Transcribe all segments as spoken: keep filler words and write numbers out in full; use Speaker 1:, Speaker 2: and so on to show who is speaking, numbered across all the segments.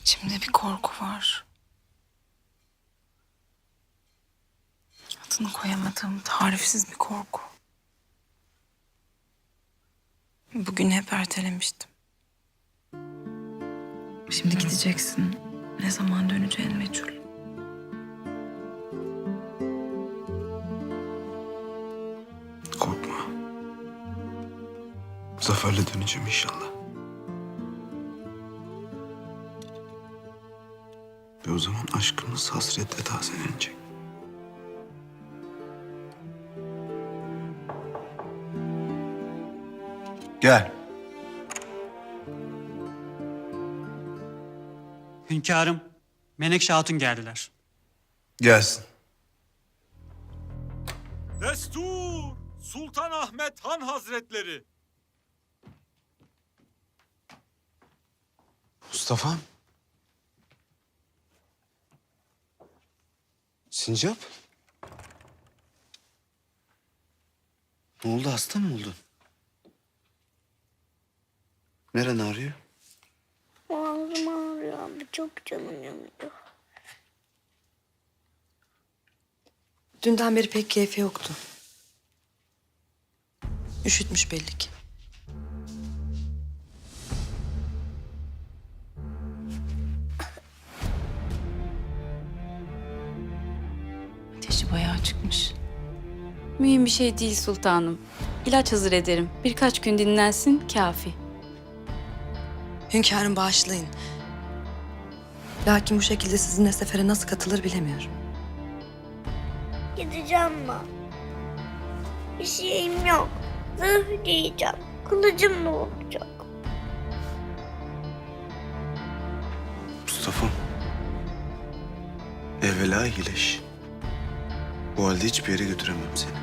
Speaker 1: İçimde bir korku var. Adını koyamadığım tarifsiz bir korku. Bugün hep ertelemiştim. Şimdi gideceksin. Ne zaman döneceğin meçhul.
Speaker 2: Korkma. Zaferle döneceğim inşallah. Ve o zaman aşkımız hasretle tazelenecek. Gel.
Speaker 3: Hünkârım, Menekşe Hatun geldiler.
Speaker 2: Gelsin.
Speaker 4: Destur! Sultan Ahmet Han Hazretleri!
Speaker 2: Mustafa'm. Sincap. Ne oldu, hasta mı oldun? Neren ağrıyor?
Speaker 5: Ağzım ağrıyor abi. Çok canım yanıyor.
Speaker 6: Dünden beri pek keyfi yoktu. Üşütmüş belli ki.
Speaker 1: Ateşi bayağı çıkmış.
Speaker 7: Mühim bir şey değil sultanım. İlaç hazır ederim. Birkaç gün dinlensin kafi.
Speaker 6: Hünkârım bağışlayın. Lakin bu şekilde sizinle sefere nasıl katılır bilemiyorum.
Speaker 5: Gideceğim ben. Bir şeyim yok. Zırh giyeceğim. Kılıcım ne olacak?
Speaker 2: Mustafa'm. Evvela iyileş. Bu halde hiçbir yere götüremem seni.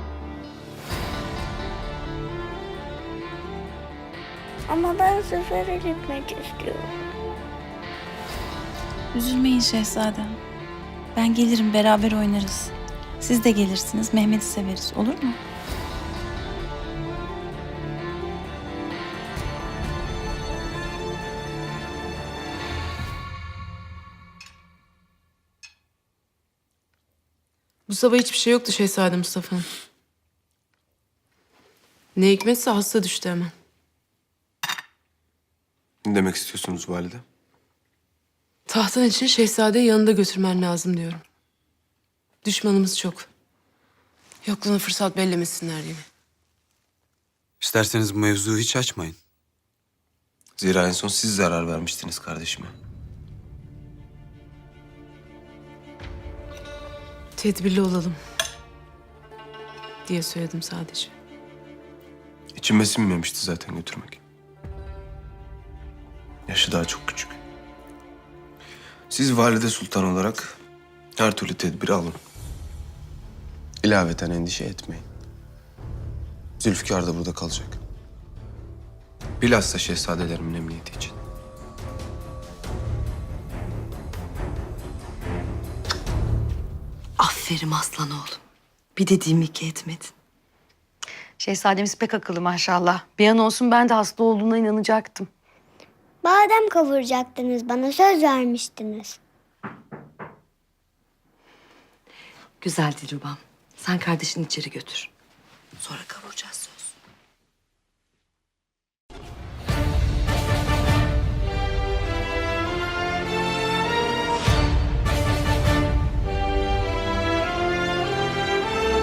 Speaker 5: Ama ben sefere gitmek istiyorum.
Speaker 1: Üzülmeyin şehzadem. Ben gelirim, beraber oynarız. Siz de gelirsiniz, Mehmet'i severiz. Olur mu?
Speaker 8: Bu sabah hiçbir şey yoktu Şehzade Mustafa'nın. Ne hikmetse hasta düştü hemen.
Speaker 2: Ne demek istiyorsunuz valide?
Speaker 8: Tahtın için şehzadeyi yanında götürmen lazım diyorum. Düşmanımız çok. Yokluğunu fırsat bellemesinler yine.
Speaker 9: İsterseniz bu mevzuyu hiç açmayın.
Speaker 2: Zira en son siz zarar vermiştiniz kardeşime.
Speaker 8: Tedbirli olalım diye söyledim sadece.
Speaker 2: İçime sinmemişti zaten götürmek. Yaşı daha çok küçük. Siz valide sultan olarak her türlü tedbiri alın. İlaveten endişe etmeyin. Zülfikar da burada kalacak. Bilhassa şehzadelerimin emniyeti için.
Speaker 6: Aferin aslan oğlum. Bir dediğimi iki etmedin.
Speaker 10: Şehzademiz pek akıllı maşallah. Bir an olsun ben de hasta olduğuna inanacaktım.
Speaker 5: Badem kavuracaktınız. Bana söz vermiştiniz.
Speaker 6: Güzel Dilrubam. Sen kardeşini içeri götür. Sonra kavuracağız